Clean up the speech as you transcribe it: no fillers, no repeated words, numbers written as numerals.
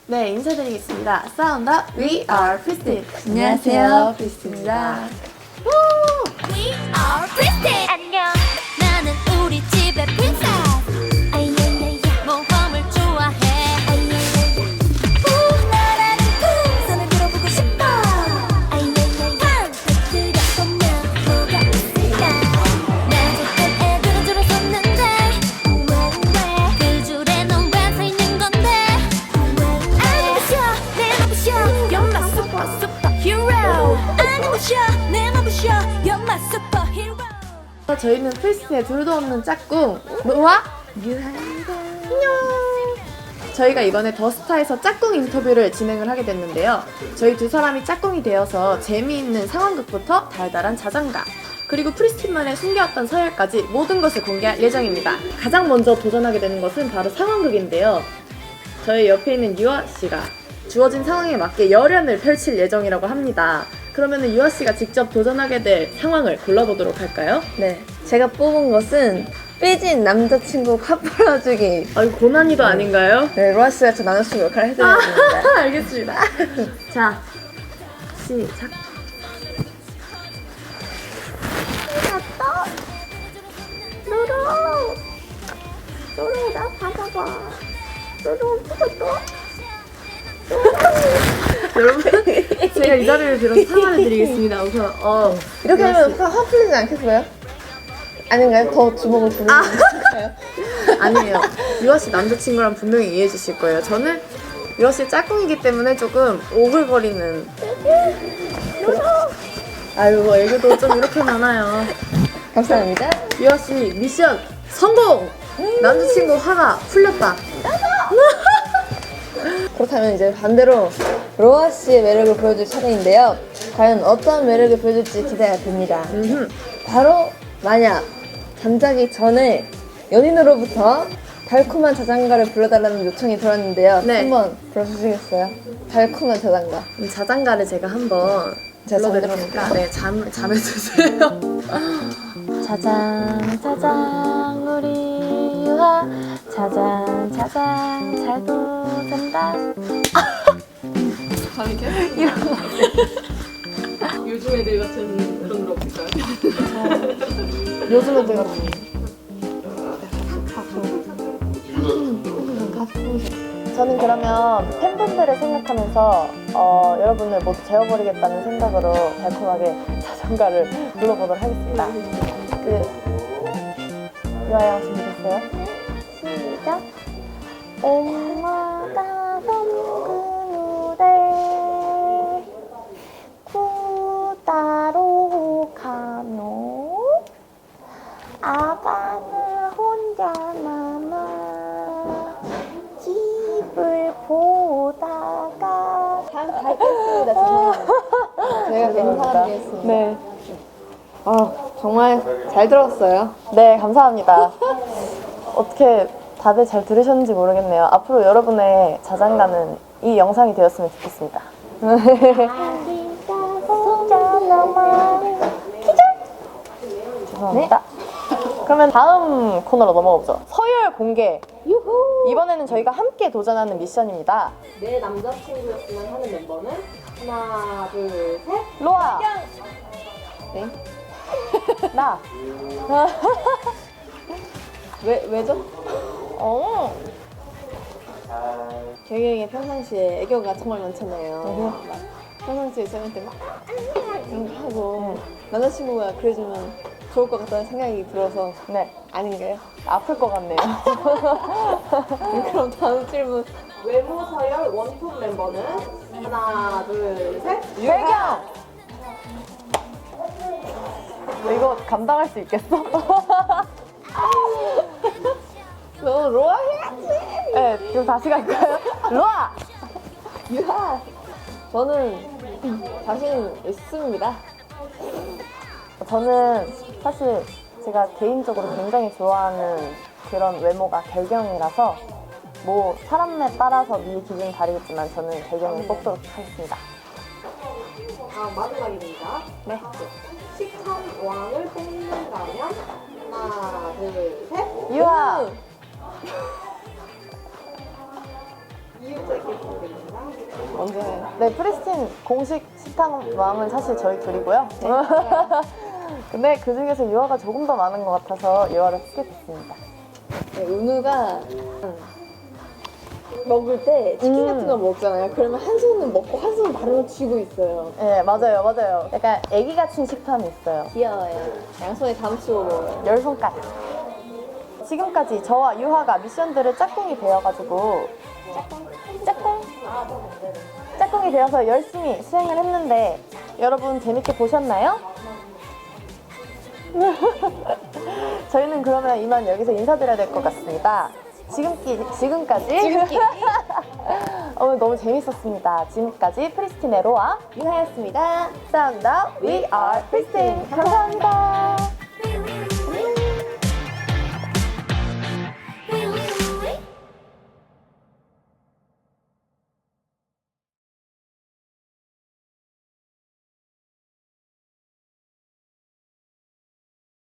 네, 인사드리겠습니다. 사운드 We Are Pristin. 안녕하세요, 프리스틴입니다. We are Pristin. 안녕. 나는 우리 집의 princess. 아이야야야. 모험을 좋아해. 아이야야야. 나라는 풍선을 들어보고 싶어. 아이야야야. 터뜨려보면 뭐가 있을까? 나직한 애들은 줄어섰는데 왜? 그 줄에 넌 왜 서 있는 건데? 내 맘부셔. You're my superhero. 아니 부셔. 내 맘부셔. You're my superhero. 저희는 프리스틴의 둘도 없는 짝꿍 노아 유하입니다. 안녕. 저희가 이번에 더스타에서 짝꿍 인터뷰를 진행을 하게 됐는데요. 저희 두 사람이 짝꿍이 되어서 재미있는 상황극부터 달달한 자장가 그리고 프리스틴만의 숨겨왔던 서열까지 모든 것을 공개할 예정입니다. 가장 먼저 도전하게 되는 것은 바로 상황극인데요. 저희 옆에 있는 유아씨가 주어진 상황에 맞게 열연을 펼칠 예정이라고 합니다. 그러면 유아씨가 직접 도전하게 될 상황을 골라보도록 할까요? 네, 제가 뽑은 것은 삐진 남자친구 카풀어주기. 아, 이거 고난이도 아닌가요? 네, 로아 씨가 저 남자친구 역할을 해드리겠습니다. 알겠습니다. 자, 시작. 노루 나 받아봐. 노루 부셨어? 여러분, 제가 이 자리를 빌어서 사과를 드리겠습니다. 우선, 이렇게 로아 하면 씨. 화 풀리지 않겠어요? 아닌가요? 더 주먹을 부르는 건가요? 아니에요. 유아씨 남자친구랑 분명히 이해해 주실 거예요. 저는 유아씨 짝꿍이기 때문에 조금 오글거리는. 아유, 뭐 애교도 좀 이렇게 많아요. 감사합니다. 유아씨 미션 성공! 남자친구 화가 풀렸다. 그렇다면 이제 반대로 로아 씨의 매력을 보여줄 차례인데요. 과연 어떤 매력을 보여줄지 기대가 됩니다. 바로 만약 잠자기 전에 연인으로부터 달콤한 자장가를 불러달라는 요청이 들었는데요. 네. 한번 불러주시겠어요? 달콤한 자장가. 자장가를 제가 한번 제가 불러드리니까 네, 잠에주세요. 자장 자장 우리 유하 자장 자장 잘도 된다. 요즘 애들 같은 그런 거 없을까요? 요즘 애들 같은 저는 그러면 팬분들을 생각하면서 여러분을 모두 재워버리겠다는 생각으로 달콤하게 자장가를 불러보도록 하겠습니다. 유아야 준비됐어요? 시작! 엄마가 그 무대 구다로 가노 아가는 혼자 남아 집을 보다가 잘 뵙겠습니다. 저희가 괜히 사람이겠습니다. 네. 정말 잘 들었어요. 네, 감사합니다. 어떻게 다들 잘 들으셨는지 모르겠네요. 앞으로 여러분의 자장가는 이 영상이 되었으면 좋겠습니다. 죄송합니다. 그러면 다음 코너로 넘어가보죠. 서열 공개. 이번에는 저희가 함께 도전하는 미션입니다. 내 남자친구였으면 하는 멤버는 하나, 둘, 셋. 로아. 네? 나. 왜죠? 경영이 평상시에 애교가 정말 많잖아요. 평상시에 저한테 막 이런 거 하고 남자친구가 그래주면 좋을 것 같다는 생각이 들어서 네. 아닌가요? 아플 것 같네요. 그럼 다음 질문. 외모 서열 원톱 멤버는 하나, 둘, 셋. 배경. 이거 감당할 수 있겠어? 너 로아 해야지. 네, 그럼 다시 갈까요? 로아. 유하. 저는 자신 있습니다. 저는 사실 제가 개인적으로 굉장히 좋아하는 그런 외모가 결경이라서 뭐 사람에 따라서 미 기준 다르겠지만 저는 결경을 뽑도록 하겠습니다. 다음 마지막입니다. 네. 식탐 왕을 뽑는다면 하나, 둘, 셋. 유아. 이유자께 부탁드립니다. 먼저 해. 네, 프리스틴 공식 식당 왕은 사실 저희 둘이고요. 근데 그 중에서 유아가 조금 더 많은 것 같아서 유아를 스킵했습니다. 네, 은우가 먹을 때 치킨 같은 거 먹잖아요. 그러면 한 손은 먹고 한 손은 다른 거 쥐고 있어요. 네, 맞아요, 맞아요. 약간 애기 같은 식탐이 있어요. 귀여워요. 양손에 감추고 먹어요. 10손가락. 지금까지 저와 유하가 미션들을 짝꿍이 되어가지고 짝꿍이 되어서 열심히 수행을 했는데 여러분 재밌게 보셨나요? 저희는 그러면 이만 여기서 인사드려야 될 것 같습니다. 지금까지 오늘 너무 재밌었습니다. 지금까지 프리스틴의 로아 유하였습니다. 감사합니다. We are 프리스틴. 감사합니다.